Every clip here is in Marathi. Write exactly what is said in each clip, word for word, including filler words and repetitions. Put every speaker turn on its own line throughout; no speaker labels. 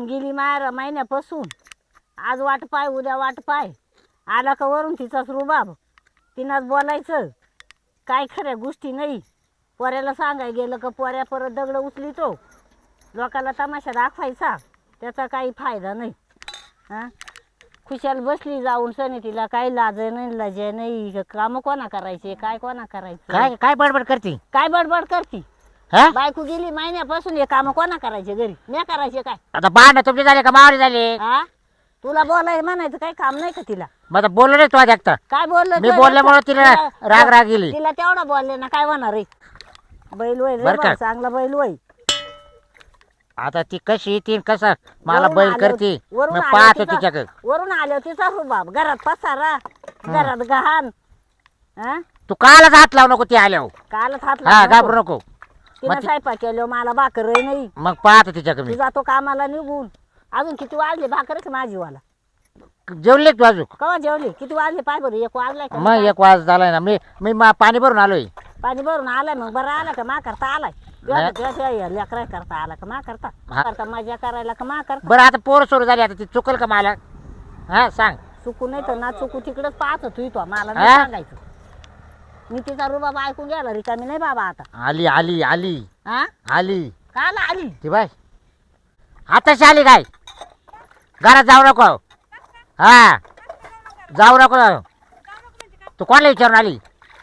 निघून गेली मार महिन्यापासून. आज वाट पाय उद्या वाट पाय. आला का वरून तिचाच रुबाब. तिनाच बोलायचं काय खऱ्या गोष्टी नाही. पोऱ्याला सांगाय गेलं का पोऱ्या परत दगड उचलितो. लोकाला तमाशा दाखवायचा त्याचा काही फायदा नाही. हां खुशाल बसली जाऊन सनी तिला काही लाज नाही लजे नाही. काम कोणा करायचे काय कोणा करायचं.
काय काय बडबड करती
काय बडबड करती.
हा
बायको गेली महिन्यापासून हे काम कोणा करायचे घरी. मी करायचे काय.
आता भांडण तुमचे झाले का मावळे झाले.
हा तुला बोलाय म्हणायचं काही काम नाही का तिला.
मग आता बोललो नाही तू आज एकटा.
काय बोललं
मी
तुला?
बोलल्यामुळे तिला राग राग गेली.
तिला तेवढं बोलले ना काय होणार रे. बैल वय रे
बरं का?
बा, चांगला बैल वय.
आता ती कशी ती कसा मला
वरून
बैल
आल्यावर-
करते
वरून
मी
आल्यावर
पाहतो
तिचा-
तिच्याकडे.
वरून आलो तिचा रुबाब. घरात पसारा घरात गहाण. हा
तू कालच हात लावू नको ती आल्यावर.
कालच हात
हा
लावला
घाबरू
नको.
नको.
तिनं
मग ती-
स्वयंपाक केलो मला भाकर नाही.
मग पाहतो तिच्याकडे
ती
मी.
जातो कामाला निघून. अजून किती वाजले भाकरच माझी वाला.
जेवले तू अजून.
कवा जेवली किती वाजले पाय बरं. एक वाजलाय का
मग एक वाज झालाय ना मी मी मा- पाणी भरून आलोय.
पाणी भरून आलाय मग बरं आला का मा करता आलाय. लेकरा करता आला का मा करता
हा.
करता मजा करायला का मा करता.
बरं आता पोर सुरू झाली आता ती चुकल का मला. हा सांग.
चुकू नाही तर ना चुकू तिकडच पाहत तू तो मला नाही
हा?
सांगायचं. मी तिचा रुबाब ऐकून गेला रिकामी नाही बाबा आता.
आली आली आली
हा
आली
काल आली.
ती बाय आताशी आली काय. घरात जाऊ नको. हा जाऊ नको. तू कोणाला विचारून आली.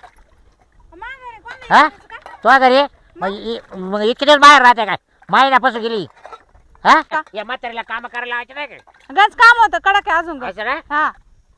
हा तुझ्या घरी मग इ- मग इतके दिवस बाहेर राहते काय महिन्यापासून गेली. हा या म्हातारीला काम करायला लावायचे नाही काय.
गंज काम होतं कडक आहे अजून गं.
असं ना
हा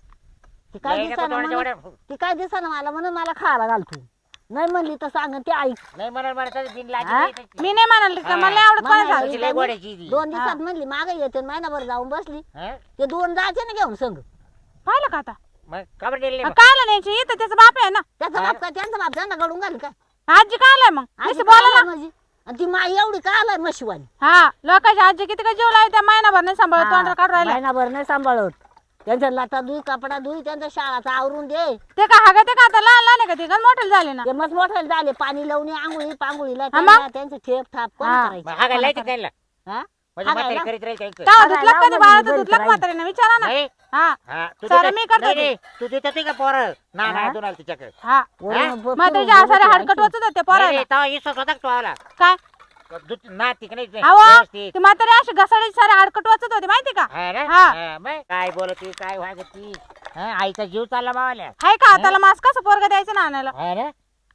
ती काय
नाही नको
दिसा
थोडं
ना
जेवढं-
ती काय दिसा ना मला म्हणून मला खायला घालतो. नाही म्हणली तर सांग ती ऐक.
नाही म्हणून म्हणत बिन
हा?
लाजी
मी नाही म्हणाली का मला नाही आवडत
म्हणाली.
कोणाला.
तुझी लय गोड्याची ती.
दोन दिवसात म्हणली मागे येते महिनाभर जाऊन बसली.
हा?
ते दोन जायचे ना घेऊन संग.
पाहिलं का आता
मग खबर दिली
मग कायला न्यायची इथं त्याचा बाप आहे ना.
त्याचा बाप काय त्यांचा बाप त्यांना घडून घाल काय.
आजी कायलाय मग
आजी
नुसती
काय
बोला
आलाय
ना.
माझी आणि ती माई एवढी काय आलाय म्हशीवाली.
हा लोकांची आजी किती का जीव लावते त्या महिनाभर नाही सांभाळत
हा,
तोंडाला काढून राहिला.
महिनाभर नाही सांभाळत. त्यांच्या लाटा धुई कपडा धुई त्यांच्या शाळाचा आवरून दे.
ते का हागा ते का आता लहान लहान आहे का ते गंज मोठे झाले ना.
ते मस्त मोठे झाले पाणी लावणी आंघोळी पांघोळीला
हा मग?
त्यांना त्यांचे ठेप थाप कोण
हा.
करायचं.
मग हा काय लायचं त्यांना
हा?
म्हणजे
हा
म्हातारी
काय
करीत राहील त्यांचं.
तेव्हा
हागायला
धुतलं कधी
लावलं
बाळा
मी
तर
घरी
धुतलं का
राहील.
म्हातारीने विचारा ना.
नाही
हा
हा तू
सारं
देते-
मी करते
नाही,
ते.
नाही, तू देत होती का पोरं ना
हा?
ना दोन तिच्याकडे.
हा
वरून ब-
म्हातारीच्या
फिरून
आसारे
गेली
हाडकट
ती
वाचत होते पोरायला.
तेव्हा इसत होता का तू आला
काय
दूध- ना तिकडे नाही
अहो
व्यवस्थित.
ती म्हातारी अशी घसाडीची सारे हाडकट वाचत होते माहिती का.
हा ना?
हा.
हा, मग काय बोलती काय वागती. हा, आईचा जीव चालला मावाल्या.
हाय का त्याला मास्क कसं पोरगा द्यायचं ना आणायला.
हा ना?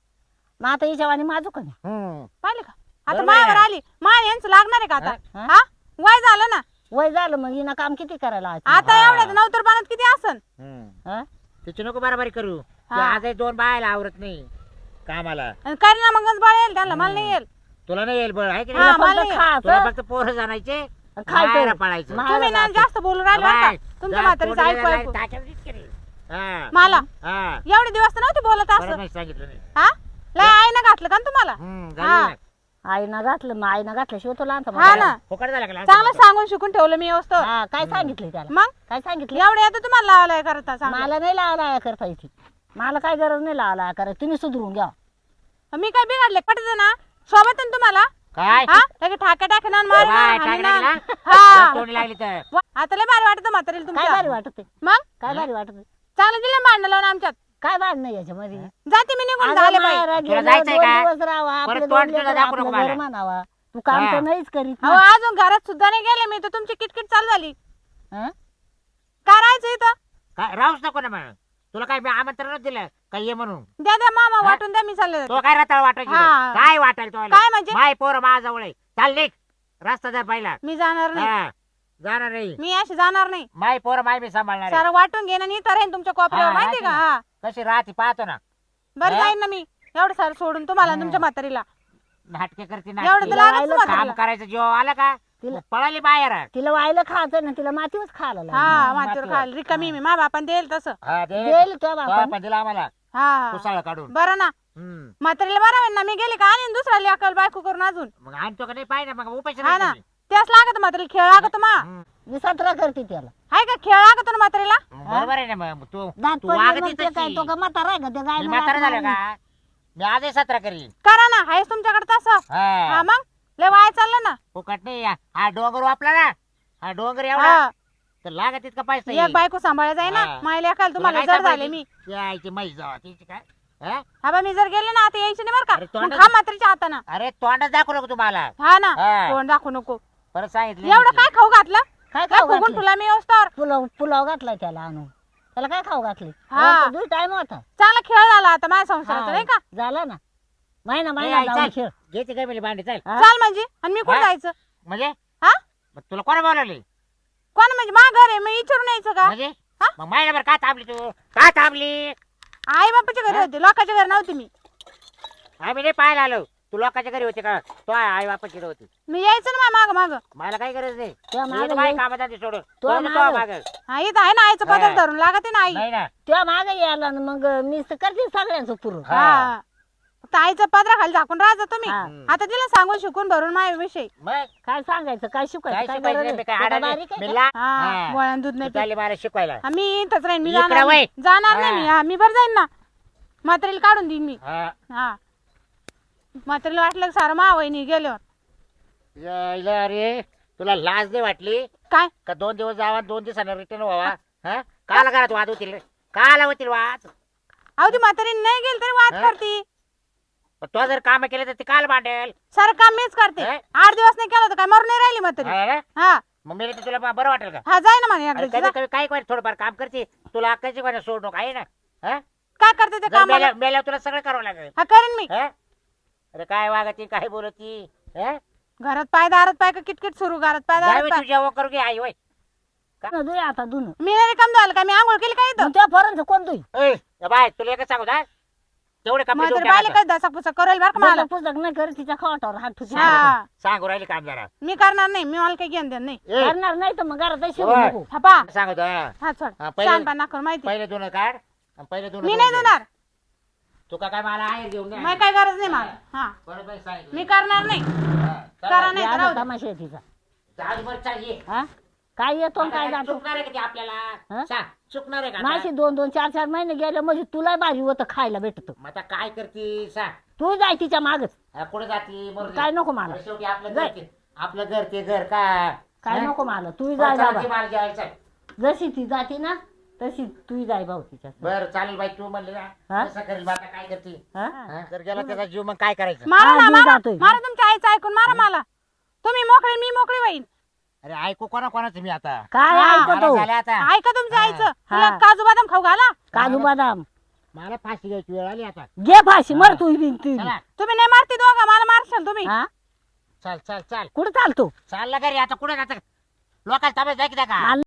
मग आता हिच्या वाणी माझू का नाही.
हम्म.
पाहिलं का आता
बरोबर आहे
मायावर
ना.
आली माय यांचं लागणार आहे का आता.
हा?
हा वय झालं ना
वय झालं मग हिनं काम किती करायला आज.
आता
हा.
एवढ्यात नवतर पाण्यात किती असन.
हम्म.
हा?
तिची नको बराबरी करू तू
हा.
आजही दोन बायला आवरत नाही कामाला.
आणि काही ना मग बळ येईल त्यांना मला नाही येईल.
तुला नाही येईल बळ आहे की
हा,
नाही?
मला
फक्त
नाही.
खायचं,
तुला फक्त पोरं जाणायचे
खायचं.
बाहेर पळायचं.
मा-
तुम्ही ना
जायचं.
जास्त बोलू राहिले बरं
बाय.
का. तुमच्या
जा,
म्हातारीचं
तोंडाला
ऐकू
लाय,
ऐकू
ताटावर दिसते रे. हा.
मला
हा.
एवढे दिवस तर नव्हते बोलत
परत
असं.
नाही सांगितलं नाही.
हा लय आईनं घातलं का न तुम्हाला.
हम्म,
हा.
झाली ना.
आईनं घातलं मग आईनं घातल्याशिवाय तो लहानचा
हा
मोठा.
ना
फुकट झाला का लहान
चांगलं
पोरं?
सांगून शिकून ठेवलं मी व्यवस्थित.
हा काय सांगितलं त्याला.
मग
काय सांगितलं.
एवढे येतं तुम्हाला लावायला करता सांगा.
मला नाही लावला करता इथे. मला काय गरज नाही लावला करायची. तुम्ही सुधरून घ्या.
मी काय बिघडले पटत ना सोबत आहे ना तुम्हाला.
काय
हा लगे ठाके टाके ना मारी
बाय,
ना,
टाके
हाणी ना.
टाके
हा
तोंडी लागली तर
वा, आता लय भारी वाटत म्हातारीला
काय भारी
तुमच्या.
वाटत आहे.
मग
काय भारी वाटत आहे.
चांगलं दिलं मांडणं लावून आमच्यात.
काय भाड नाही याच्यामध्ये.
जाते मी निघून
अगं
झाले
माहेरात
बाई.
तुला
गेलं,
जायचंय
दोन
का?
दिवस राहावा,
परत
आपले
तोंड
दोन
तुझं
लेकरं,
दाखवू
आपलं
नको
घर
मला.
म्हणावा. तू काम
हा.
तर नाहीच करीत
अहो
ना.
अजून घरात सुद्धा नाही गेले मी तर तुमची किटकिट चालू झाली.
हं?
काय राहायचं इथं.
काय राहूच नको ना मग. तुला काय मी आमंत्रणच दिलं काय ये म्हणून.
द्या द्या मामा
हा?
वाटून द्या मी चालले
तो काय रताळ वाटायची
हा.
काय वाटायला तो
काय म्हणजे?
माय पोरं माझ्याजवळ आहे. चाल निघ रस्ता जर पाहिला
मी जाणार नाही.
हा. जाणार नाही.
मी अशी जाणार नाही.
माय पोरं माय मी सांभाळणार आहे.
सारं वाटून घेणं आणि इथं राहीन तुमच्या कोपऱ्यावर
हा,
माहिती का.
राहते ना.
हा
कशी राहते पाहतो ना.
बरं
हा?
जाईन ना मी एवढं सारं सोडून तुम्हाला आणि तुमच्या म्हातारीला.
नाटके करते
एवढं
नाटके.
तर लागत
राहिलं
तुम्हाला.
काम करायचं जीव आला का
तिला-
पळाली बाहेर.
तिला वायला खायचं ना तिला मातीवच खायला लागलं.
हा मातीवर
मातीवर.
खाल रिकामी मी मा बापान देईल तसं.
हा, दे.
देईल तो
तो
बापा.
पण दिला आम्हाला
हा
कुसाळ काढून.
बरं ना
हम्म.
म्हातारीला बरं होईल ना मी गेले का आणि दुसरा लेकल बायको करून अजून.
मग आणतो का नाही पाहिजे मग उपाशी
हा ना
राहायचं मी.
त्याच लागत म्हातारीला खेळ लागत मा.
हम्म.
मी सतरा करते त्याला.
हाय का खेळ लागत ना म्हातारीला.
मग बरोबर आहे ना मग तू
दात
तू
पडले
वागती
मग ते काय
तशी.
तो का म्हातारा आहे का ते गाय
मी म्हातारा झालं का मी आजही सतरा करीन.
करा ना हायच तुमच्याकडे तसं. हा
हा
मग लय वाया चाललं ना.
फुकट नाही हा डोंगर वापला ना हा डोंगर एवढा
हा
तर लागत तितका पैसा
एक
येईल.
बायको सांभाळायचं आहे ना
हा.
मायला एकाल
तुला
तुम्हाला
काय
जड
सांभाळायची?
झाले मी
यायची म्हैस जावा तिची काय हा?
हा बा मी जर गेले ना आता यायची नाही बरं
अरे
का
तोंडात-
मग खा म्हातारीच्या हातानं
अरे तोंडात दाखवू नको तुम्हाला
हा ना
हा.
तोंड दाखवू नको
परत सांगितलं
एवढं काय खाऊ घातलं
काय
काय
खाऊ
फुगून
घातलं
तुला मी व्यवस्थावर
पुलाव पुलाव घातलाय त्याला आणून त्याला काय खाऊ घातले
हा.
दुई टाइम होता
चांगला खेळ झाला आता माझ्या संसाराचा
हा,
नाही का
झाला ना महिना
ए,
महिना
आई,
जाऊन
चल.
खेळ
घेते काय म्हणजे भांडी चल
हा?
चाल म्हणजे आणि मी कुठं
हा?
जायचं
म्हणजे
हा
मग तुला कोणा बोलावली
कोण म्हणजे मा घर आहे मी विचारून यायचं का
म्हणजे
हा?
मग महिनाभर का थांबली तू का थांबली
आई बापाच्या घरी होते लोकांच्या घरी नव्हती मी
आम्ही नाही पाहायला आलो तू लोकांच्या घरी होते का तो आई बापाची होती
मी यायचं ना माग माग
मला काही गरज नाही
तुझ्या
मी
मागं
तर माझ्या
ये.
कामात आहे सोडून
तुझ्या
तो
मागं.
माग
हा इथं आहे ना आईचं
हा.
पदर धरून लागत आहे ना आई
नाही ना
तेव्हा मागे यायला ना मग मी तर करते सगळ्यांचं पुरून
हा.
हा फक्त आईचं पदरा खाली झाकून राहायचं तुम्ही
हा.
आता तिला सांगून शिकून भरून माझ्या विषय
मग
काय सांगायचं काय
काय
शिकायचं काय
शिकवायचं
गरज
नाही, मी
आहे?
काय
तुला
आडा
बारीक
नाही.
आहे
मी
का?
ला-
हा
हा.
गोळ्यान दूध
तू
नाही
चालली मला शिकवायला
हा, मी इथंच राहीन मी
इकडं
जाणार
वळ.
नाही. जाणार नाही
हा.
मी हा मी बरं जाईन ना म्हातारीला काढून देईन मी
हा.
हा म्हातारीला वाटलं की सारं मावईनी गेल्यावर
यायला अरे तुला लाज नाही वाटली
काय
का दोन दिवस जावा दोन दिवसानं रिटर्न व्हावा हा काला घरात वाद होतील रे? काला होतील वाद
अहो ती म्हातारी नाही गेली तरी वाद
हा?
करती
पण तो जर काम केलं तर ते काल भांडेल
सारं काम मीच करते
हा?
आठ दिवस नाही केलं तर काय मरून नाही राहिली म्हातारी
हा रे?
हा
मग मी तुला बा- बरं वाटेल का
हा जाय ना म्हणे
अरे
एकदा
कधी कधी काय काय थोडंफार काम करते तुला अक्काची कोणा सोड नको आहे ना हा?
काय करते ते
जर
काम
मेल्या मेल्यावर तुला सगळं करावं लागेल
हा करीन मी
हा? अरे काय वागती काय बोलती हा?
घरात पाय दारात पाय का किटकिट सुरू घरात पाय
जाय
दारात
बाई,
पाय
तू जेवण करू घे आई होय
न दुई आता दुन
मी नाही काम झालं का मी आंघोळ केली काय इथं
त्या पर्यंत कोण दुई
ए, ए बाय तुला एकच सांगू का तेवढे कपडे
म्हातारी
धुवून
बायले
टाकायचं.
काय दसा पुसा करेल बरं का मला
पुस्तक नाही कर तिच्या खाटावर हात ठुकी
हा
सांगू राहिले काम जरा
मी करणार नाही मी मला काही घेऊन देणार नाही
ए,
करणार नाही तर मग घरात शिवू
होय.
नको
हा पा
सांगतो हा.
हा चढ
हा, पहिले-
छान पण नाकर माहिती
पहिले दोन काढ आणि पहिले दोन
मी नाही देणार
तू का काय मला आहे घेऊन ये.
मग काय गरज नाही मला हा
बरं बाई सांगितलं.
मी करणार नाही
हा, चल
करा
बाई.
नाही तर राहू दे.
तमाशा आहे तिचा
चाल बरं, चाल ये.
हा काय येतो आणि काय
आता
जातो
चुकणार आहे का ते आपल्याला
हा?
सांग, चुकणार आहे का आता?
माझी दोन दोन चार चार महिने गेले म्हणजे तुला भारी होतं खायला भेटत
मग आता काय करती सांग
तू जाय तिच्या मागच
हा, कुठे जाती मरू दे.
काय नको मला
अरे शेवटी आपलं घर
जाय.
ते- आपलं घर ते घर का
काय
हा?
नको मला तू
बरं,
जाय
चला,
बाबा
ती मला जेवायला चल.
जशी ती जाती ना तशी तू जाय भाऊ तिच्या
बरं चालेल बाई तू म्हणली
हा?
ना कसं करेल बा, आता काय करती
हा?
हा? जर गेला त्याचा जीव मग काय करायचं
मारा
हा,
ना
मी
मारा
जातोय.
मारा तुमच्या आईचं ऐकून मारा मला तुम्ही मोकळे मी मोकळी होईन
अरे ऐकू कोणा कोणाचं मी आता
काय
हा,
ऐकतो
मला झालं आता
ऐका तुमच्या
हा.
आईचं तिला
हा.
काजू बदाम खाऊ घाला
काजू बदाम
मला फाशी घ्यायची वेळ आली आता
घे फाशी मर तू बी तू
चला
तुम्ही नाही मारती दोघं मला मारशाल तुम्ही
हा
चाल चाल चाल
कुठं चालतो
चालला घरी आता कुठे जात लोकांना ताब्यात जाय की का
मला